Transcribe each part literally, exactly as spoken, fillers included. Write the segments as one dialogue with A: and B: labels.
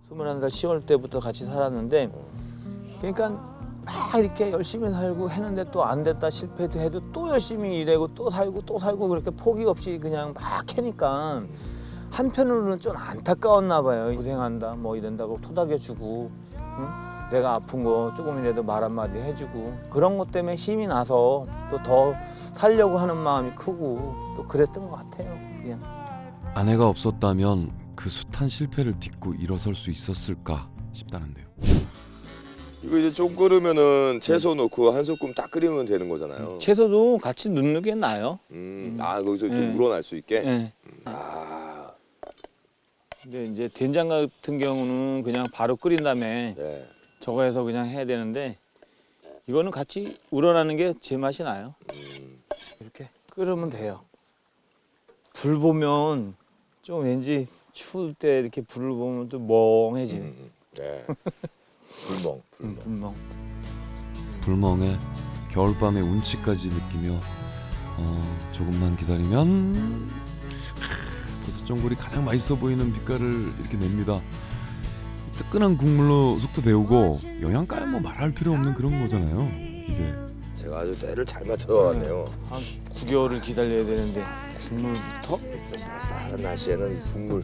A: 스물한 살 시월 때부터 같이 살았는데 그러니까 막 이렇게 열심히 살고 했는데 또 안 됐다 실패도 해도 또 열심히 일하고 또 살고 또 살고 그렇게 포기 없이 그냥 막 하니까 한편으로는 좀 안타까웠나 봐요. 고생한다 뭐 이런다고 토닥여주고 응? 내가 아픈 거 조금이라도 말 한마디 해주고 그런 것 때문에 힘이 나서 또 더 살려고 하는 마음이 크고 또 그랬던 것 같아요. 그냥.
B: 아내가 없었다면 그 숱한 실패를 딛고 일어설 수 있었을까 싶다는데요.
C: 이거 이제 좀 끓으면은 채소 넣고 한 소끔 딱 끓이면 되는 거잖아요.
A: 채소도 같이 넣는 게 나아요.
C: 음, 아 거기서
A: 네.
C: 좀 우러날 수 있게.
A: 네.
C: 아,
A: 근데 이제 된장 같은 경우는 그냥 바로 끓인 다음에
C: 네.
A: 저거 해서 그냥 해야 되는데 이거는 같이 우러나는 게 제 맛이 나요.
C: 음,
A: 이렇게 끓으면 돼요. 불 보면 좀 왠지 추울 때 이렇게 불을 보면 또 멍해지네.
C: 음, 네. 불멍, 불멍.
A: 음, 불멍.
B: 불멍에 겨울밤의 운치까지 느끼며 어, 조금만 기다리면 하, 버섯전골이 가장 맛있어 보이는 빛깔을 이렇게 냅니다. 뜨끈한 국물로 속도 데우고 영양가야 뭐 말할 필요 없는 그런 거잖아요. 이게
C: 제가 아주 때를 잘 맞춰왔네요.
A: 한 구 개월을 기다려야 되는데 국물부터?
C: 쌀쌀한 날씨에는 국물.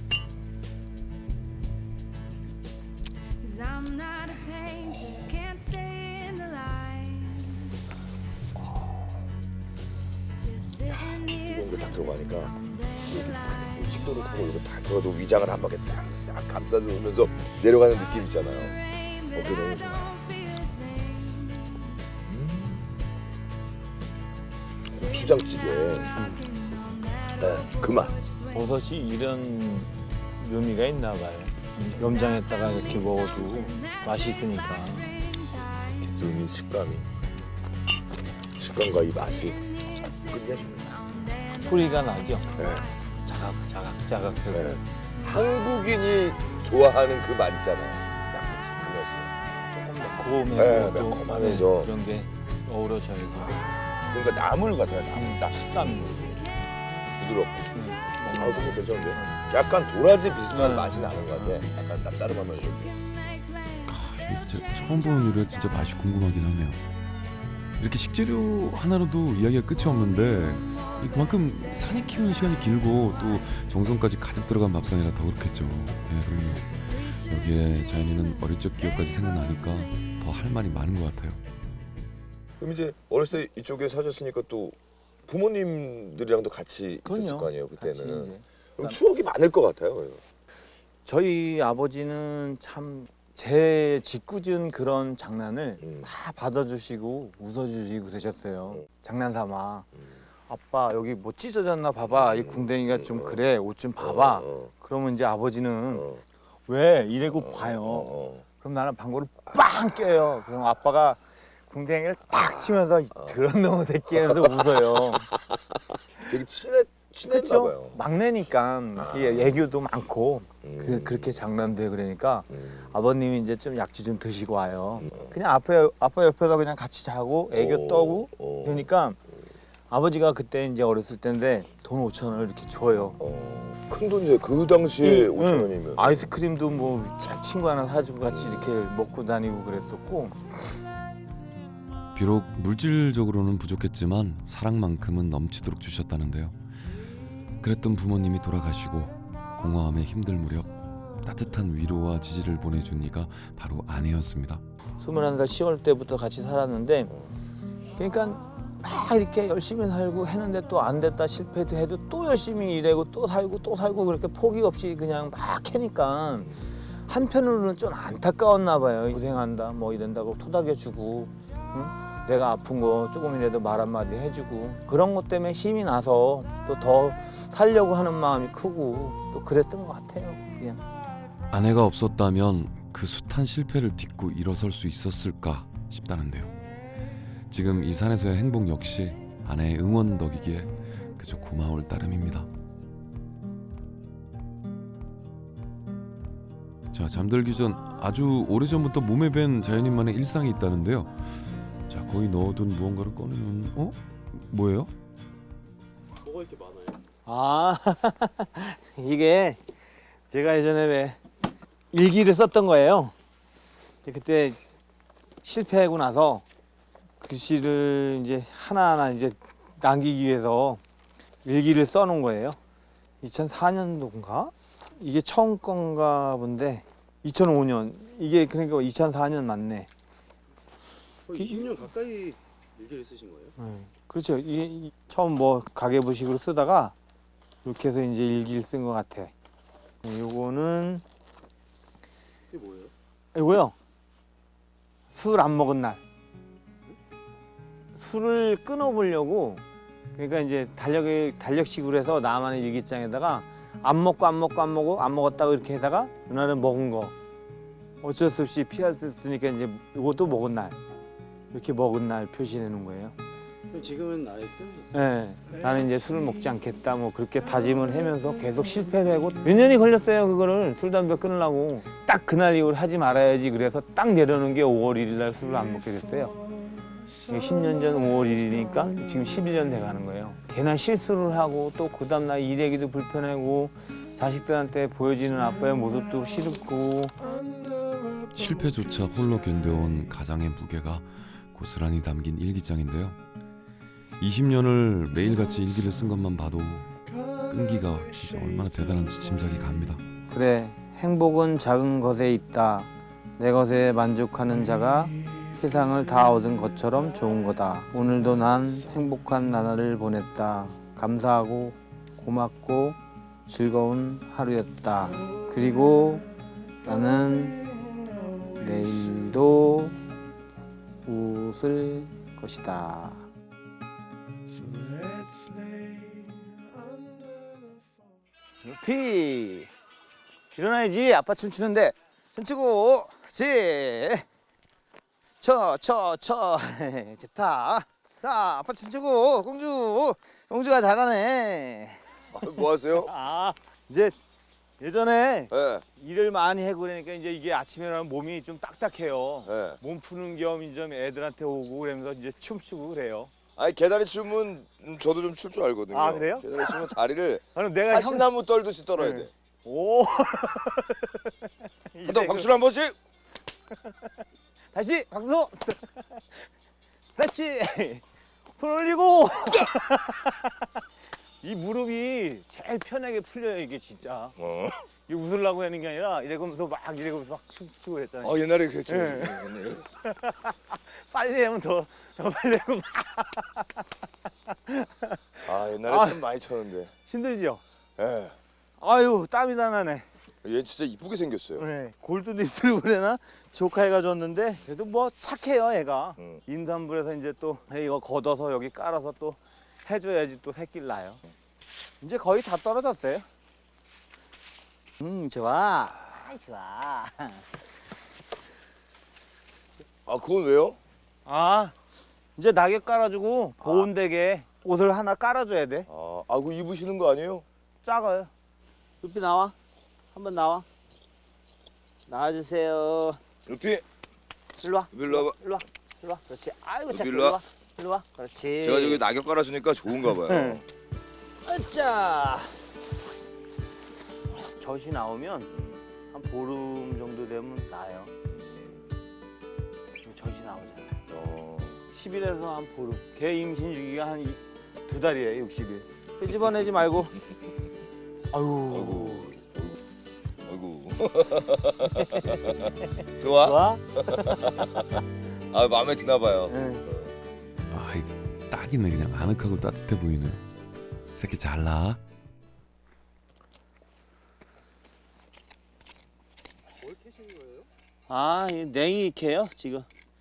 C: 이런 거 딱 들어가니까 여기 식도를 타고 이거 딱 들어가도 위장을 한 바퀴 딱싹 감싸주면서 내려가는 느낌 있잖아요. 어깨 너무 좋아요. 고추장찌개. 네, 그 맛.
A: 버섯이 이런 묘미가 있나 봐요. 염장했다가 이렇게 먹어도 맛이 있으니까.
C: 이 식감이 식감과 이 맛이 끝내줍니다.
A: 소리가 나죠?
C: 네,
A: 자각 자각 자각.
C: 네. 한국인이 좋아하는 그 맛 있잖아요. 딱 그 맛이.
A: 조금 매콤해서
C: 네,
A: 또
C: 매콤하면서.
A: 네, 그런 게 어우러져 있어.
C: 그러니까 나물 같아요. 나물 딱
A: 식감이
C: 부드럽고.
A: 네.
C: 아, 너무 괜찮은데? 약간 도라지 비슷한
A: 네.
C: 맛이 나는 것 같아. 약간 쌉싸름하면서.
B: 아, 진짜 처음 보는 요리가 진짜 맛이 궁금하긴 하네요. 이렇게 식재료 하나로도 이야기가 끝이 없는데 이 그만큼 산에 키우는 시간이 길고 또 정성까지 가득 들어간 밥상이라 더 그렇겠죠. 예, 그럼요. 여기에 자연이는 어릴 적 기억까지 생각나니까 더 할 말이 많은 것 같아요.
C: 그럼 이제 어렸을 때 이쪽에 사셨으니까 또 부모님들이랑도 같이 있었을 거 아니에요,
A: 같이
C: 그때는.
A: 이제.
C: 그럼 추억이 많을 것 같아요.
A: 저희 아버지는 참 제 짓궂은 그런 장난을
C: 음.
A: 다 받아주시고 웃어주시고 그러셨어요.
C: 음.
A: 장난삼아.
C: 음.
A: 아빠 여기 뭐 찢어졌나 봐봐. 이
C: 음.
A: 궁뎅이가 좀
C: 음.
A: 그래. 옷 좀 봐봐.
C: 어, 어,
A: 그러면 이제 아버지는
C: 어,
A: 왜 이래고
C: 어,
A: 봐요.
C: 어, 어.
A: 그럼 나는 방구를 빵 껴요. 그럼 아빠가 궁뎅이를 탁 치면서 그런 놈의 새끼 하면서 웃어요.
C: 되게 친해, 친했나
A: 그렇죠?
C: 봐요.
A: 막내니까 이게 애교도 많고
C: 음.
A: 그, 그렇게 장난도 해 그러니까
C: 음.
A: 아버님이 이제 좀 약주 좀 드시고 와요.
C: 음.
A: 그냥 앞에 아빠 옆에서 그냥 같이 자고 애교
C: 어,
A: 떠고
C: 어.
A: 그러니까 아버지가 그때 이제 어렸을 때인데 돈 오천 원을 이렇게 줘요.
C: 어, 큰 돈이죠. 그 당시에
A: 응,
C: 오천
A: 응.
C: 원이면.
A: 아이스크림도 뭐 친구 하나 사주고 같이 이렇게 먹고 다니고 그랬었고
B: 비록 물질적으로는 부족했지만 사랑만큼은 넘치도록 주셨다는데요. 그랬던 부모님이 돌아가시고 공허함에 힘들 무렵 따뜻한 위로와 지지를 보내준 이가 바로 아내였습니다.
A: 스물한 살 시월 때부터 같이 살았는데 그러니까 막 이렇게 열심히 살고 했는데 또 안 됐다 실패도 해도 또 열심히 일하고 또 살고 또 살고 그렇게 포기 없이 그냥 막 하니까 한편으로는 좀 안타까웠나 봐요. 고생한다 뭐 이런다고 토닥여주고 응? 내가 아픈 거 조금이라도 말 한마디 해주고 그런 것 때문에 힘이 나서 또 더 살려고 하는 마음이 크고 또 그랬던 것 같아요. 그냥.
B: 아내가 없었다면 그 숱한 실패를 딛고 일어설 수 있었을까 싶다는데요. 지금 이 산에서의 행복 역시 아내의 응원 덕이기에 그저 고마울 따름입니다. 자, 잠들기 전 아주 오래전부터 몸에 밴 자연인만의 일상이 있다는데요. 자, 거의 넣어둔 무언가를 꺼내면 어? 뭐예요?
D: 뭐가 이렇게 많아요?
A: 아 이게 제가 예전에 왜 일기를 썼던 거예요. 그때 실패하고 나서 글씨를 이제 하나하나 이제 남기기 위해서 일기를 써놓은 거예요. 이천사 년도인가? 이게 처음 건가 본데 이천오 년. 이게 그러니까 이천사 년 맞네.
D: 거의 이십 년 가까이 일기를 쓰신 거예요?
A: 네. 그렇죠. 이게 이- 처음 뭐 가계부식으로 쓰다가 이렇게 해서 이제 일기를 쓴 것 같아. 네, 요거는
D: 이게 뭐예요?
A: 이거요. 술 안 먹은 날. 술을 끊어보려고 그러니까 이제 달력에 달력식으로 해서 나만의 일기장에다가 안 먹고 안 먹고 안 먹고 안 먹었다고 이렇게 해다가 그날은 먹은 거 어쩔 수 없이 피할 수 없으니까 이제 이것도 먹은 날 이렇게 먹은 날 표시해 놓은 거예요.
D: 근데 지금은 아예 끊으셨어요?
A: 네, 나는 이제 술을 먹지 않겠다 뭐 그렇게 다짐을 하면서 계속 실패를 하고 몇 년이 걸렸어요. 그거를 술 담배 끊으려고 딱 그날 이후로 하지 말아야지 그래서 딱 내려놓은 게 오월 일일 날 술을 안 먹게 됐어요. 이게 십 년 전 오월 일일이니까 지금 십일 년 돼가는 거예요. 괜한 실수를 하고 또 그 다음날 일하기도 불편하고 자식들한테 보여지는 아빠의 모습도 싫고
B: 실패조차 홀로 견뎌온 가장의 무게가 고스란히 담긴 일기장인데요. 이십 년을 매일같이 일기를 쓴 것만 봐도 끈기가 진짜 얼마나 대단한지 짐작이 갑니다.
A: 그래 행복은 작은 것에 있다. 내 것에 만족하는 자가 세상을 다 얻은 것처럼 좋은 거다. 오늘도 난 행복한 나날을 보냈다. 감사하고 고맙고 즐거운 하루였다. 그리고 나는 내일도 웃을 것이다. 루피 일어나야지. 아빠 춤추는데 춤추고 그렇지. 쳐쳐쳐 좋다. 자 아빠 춤추고 공주 공주가 잘하네.
C: 아, 뭐 하세요?
A: 아 이제 예전에
C: 예,
A: 일을 많이 하고 그러니까 이제 이게 아침에 일어나면 몸이 좀 딱딱해요.
C: 예.
A: 몸 푸는 겸 이제 애들한테 오고 그러면서 이제 춤추고 그래요.
C: 아니 개다리 춤은 음, 저도 좀 출 줄 알거든요.
A: 아, 그래요?
C: 개다리 춤은 다리를
A: 아, 그럼 내가 형
C: 사시나무 떨듯이 떨어야
A: 네.
C: 돼.
A: 오.
C: 한번 박수를 한 번씩.
A: 다시 박수. 다시 손 올리고. 이 무릎이 제일 편하게 풀려요 이게 진짜.
C: 어.
A: 이게 웃으려고 하는 게 아니라 이러면서 막 이러면서 막 춤추고 그랬잖아요.
C: 아 옛날에 그랬죠.
A: 예.
C: 옛날에.
A: 빨리 하면 더, 더 빨리 하고 막
C: 아 옛날에
A: 아.
C: 참 많이 쳤는데.
A: 힘들지요.
C: 예.
A: 아유 땀이 다 나네.
C: 얘 진짜 이쁘게 생겼어요.
A: 네, 골드리트리버 그래나 조카애가 줬는데 그래도 뭐 착해요 애가.
C: 응.
A: 임산부에서 이제 또 이거 걷어서 여기 깔아서 또 해줘야지 또 새끼를 낳아요. 이제 거의 다 떨어졌어요. 음 좋아. 아이, 좋아.
C: 아 그건 왜요?
A: 아 이제 낙엽 깔아주고 보온되게 옷을 하나 깔아줘야 돼.
C: 아, 아 그거 입으시는 거 아니에요?
A: 작아요. 루피 나와. 한번 나와. 나와주세요.
C: 루피,
A: 일로 와.
C: 일로 와봐.
A: 일로 와. 일로 와. 그렇지. 아이고
C: 루피,
A: 착해.
C: 일로
A: 일로
C: 와.
A: 와. 일로 와. 그렇지.
C: 제가 저기 낙엽 깔아주니까 좋은가 봐요.
A: 응. 아짜. 젖이 나오면 한 보름 정도 되면 나요. 젖이 나오잖아요.
C: 어.
A: 십 일에서 한 보름. 개 임신 주기가 한 두 달이에요. 육십 일. 끄집어내지 말고. 아유.
C: 아이고. 좋아?
A: 좋아?
C: 아 마음에 드나 봐요.
A: 응.
B: 아이 딱이네. 그냥 아늑하고 따뜻해 보이네요. 새끼 잘나.
D: 뭘 캐시는 거예요?
A: 아, 이 냉이 캐요 지금.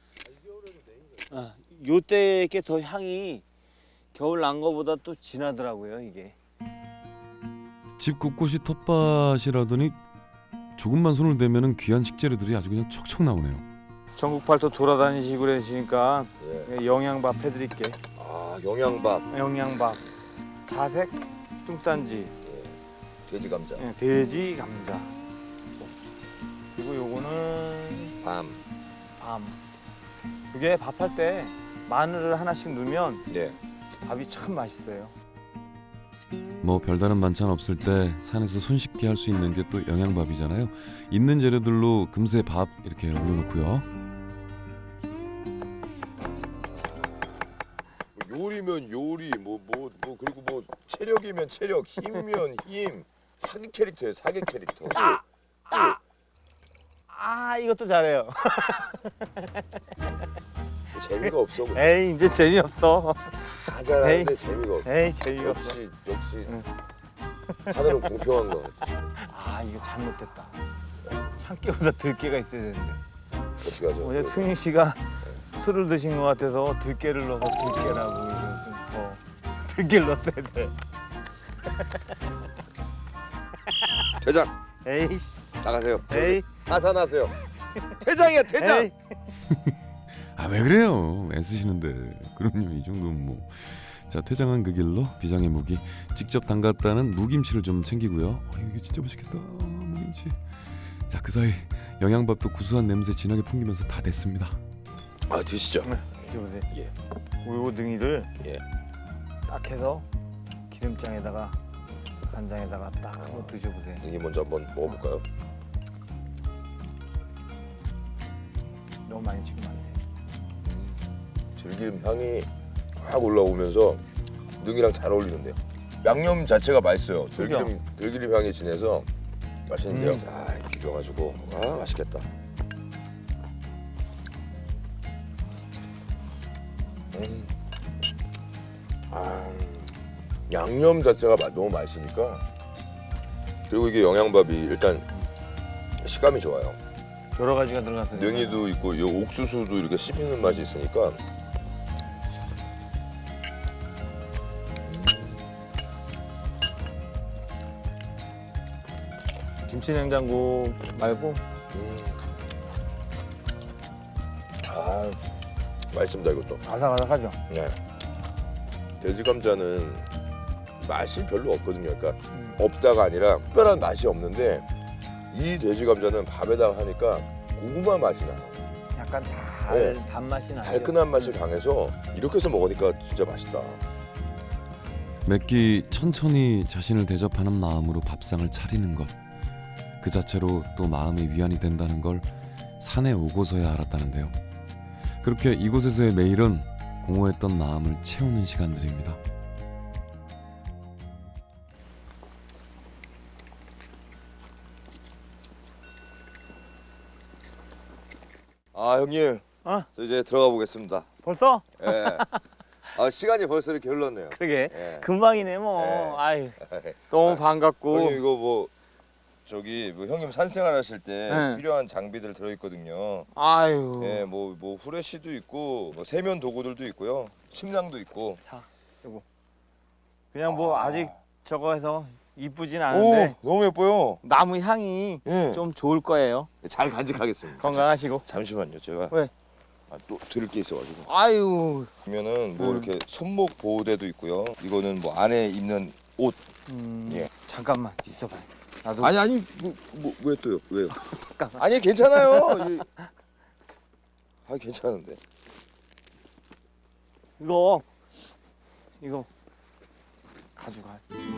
A: 아, 요때 게 더 향이 겨울 난 거보다 또 진하더라고요 이게.
B: 집 곳곳이 텃밭이라더니 조금만 손을 대면은 귀한 식재료들이 아주 그냥 척척 나오네요.
A: 전국 팔도 돌아다니시고 그러시니까
C: 예.
A: 영양밥 해드릴게.
C: 아 영양밥,
A: 영양밥, 자색, 뚱딴지,
C: 돼지 감자,
A: 예, 돼지 감자. 그리고 요거는
C: 밤.
A: 밤. 그게 밥할 때 마늘을 하나씩 넣으면
C: 네.
A: 밥이 참 맛있어요.
B: 뭐 별다른 반찬 없을 때 산에서 손쉽게 할 수 있는 게 또 영양밥이잖아요. 있는 재료들로 금세 밥 이렇게 올려놓고요.
C: 뭐 요리면 요리, 뭐 뭐 뭐 그리고 뭐 체력이면 체력, 힘이면 힘. 사기 캐릭터예요, 사기 캐릭터.
A: 아 이것도 잘해요.
C: 재미가 없어.
A: 에이 이제 재미없어.
C: 다 잘하는데 재미가 없어.
A: 에이 재미없어.
C: 역시 역시 하늘은 공평한 거 같아.
A: 아 이거 잘못됐다. 참깨보다 들깨가 있어야 되는데.
C: 어떻게 하죠?
A: 어제 승희 씨가 술을 드신 것 같아서 들깨를 넣어서 들깨라고 이거 좀 더 들깨를 넣었어야 돼.
C: 대장
A: 에이씨.
C: 나가세요.
A: 에이.
C: 하산하세요. 대장이야 대장.
A: 에이.
B: 아 왜 그래요? 애쓰시는데. 그럼요, 이 정도면 뭐. 자, 퇴장한 그 길로 비장의 무기 직접 담갔다는 무김치를 좀 챙기고요. 어, 이게 진짜 맛있겠다, 무김치. 자, 그 사이 영양밥도 구수한 냄새 진하게 풍기면서 다 됐습니다.
C: 아 드시죠.
A: 드셔보세요.
C: 예.
A: 우유 등이를
C: 예.
A: 딱 해서 기름장에다가 간장에다가 딱 한번 드셔보세요.
C: 이게 먼저 한번 먹어볼까요?
A: 너무 많이 찍으면 안 돼.
C: 들기름 향이 확 올라오면서 능이랑 잘 어울리는데요. 양념 자체가 맛있어요. 들기름 들기름 향이 진해서 맛있는데요.
A: 음.
C: 자 비벼가지고 아 맛있겠다. 음. 아 양념 자체가 마- 너무 맛있으니까 그리고 이게 영양밥이 일단 식감이 좋아요.
A: 여러 가지가 들어가서
C: 능이도 있고 이 옥수수도 이렇게 씹히는 맛이 있으니까
A: 김치 냉장고 말고
C: 음. 아 맛있습니다 이것도.
A: 아삭아삭하죠.
C: 네. 돼지 감자는 맛이 별로 없거든요. 그러니까
A: 음.
C: 없다가 아니라 특별한 맛이 없는데 이 돼지 감자는 밥에다가 하니까 고구마 맛이 나요.
A: 약간 달
C: 네.
A: 단맛이 나요.
C: 달큰한 맛이 강해서 이렇게 해서 먹으니까 진짜 맛있다.
B: 맵기 천천히 자신을 대접하는 마음으로 밥상을 차리는 것, 그 자체로 또 마음의 위안이 된다는 걸 산에 오고서야 알았다는데요. 그렇게 이곳에서의 매일은 공허했던 마음을 채우는 시간들입니다.
C: 아 형님,
A: 어?
C: 저 이제 들어가 보겠습니다.
A: 벌써?
C: 예. 아 시간이 벌써 이렇게 흘렀네요.
A: 그러게.
C: 예.
A: 금방이네 뭐.
C: 네.
A: 아유 너무 반갑고.
C: 형님 이거 뭐 저기 뭐 형님 산생활 하실 때
A: 네.
C: 필요한 장비들 들어 있거든요.
A: 아유.
C: 예, 뭐 뭐 후레쉬도 있고 뭐 세면 도구들도 있고요. 침낭도 있고.
A: 자, 요거. 그냥 뭐
C: 아.
A: 아직 저거 해서 이쁘진 않은데
C: 오, 너무 예뻐요.
A: 나무 향이
C: 예.
A: 좀 좋을 거예요.
C: 잘 간직하겠습니다.
A: 건강하시고.
C: 잠시만요, 제가
A: 왜?
C: 아, 또 들을 게 있어가지고.
A: 아유.
C: 그러면은 뭐
A: 음.
C: 이렇게 손목 보호대도 있고요. 이거는 뭐 안에 입는 옷.
A: 음,
C: 예.
A: 잠깐만 있어봐요. 나도
C: 아니 아니 뭐 왜 또요? 왜요?
A: 잠깐만.
C: 아니 괜찮아요. 이- 아 괜찮은데.
A: 이거 이거 가져가.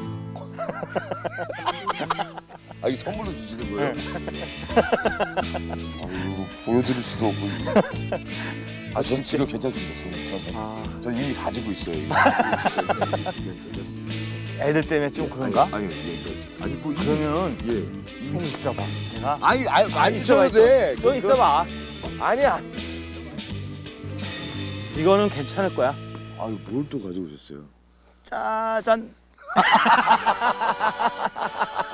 C: 아 이게 선물로 주시는 거예요?
A: 네.
C: 아 이거 보여드릴 수도 없고. 아전 지금 괜찮습니다. 저는 전,
A: 아,
C: 전 이미 가지고 있어요. 이거. 괜찮습니다.
A: 애들 때문에 좀 그런가?
C: 아니 아니 예, 아니 뭐 이미
A: 그러면
C: 예.
A: 좀 있어봐. 내가
C: 아니 아니 안
A: 아니,
C: 주셔도
A: 있어봐,
C: 돼.
A: 좀 있어봐.
C: 아니야.
A: 이거는 괜찮을 거야.
C: 아유 뭘 또 가지고 오셨어요?
A: 짜잔.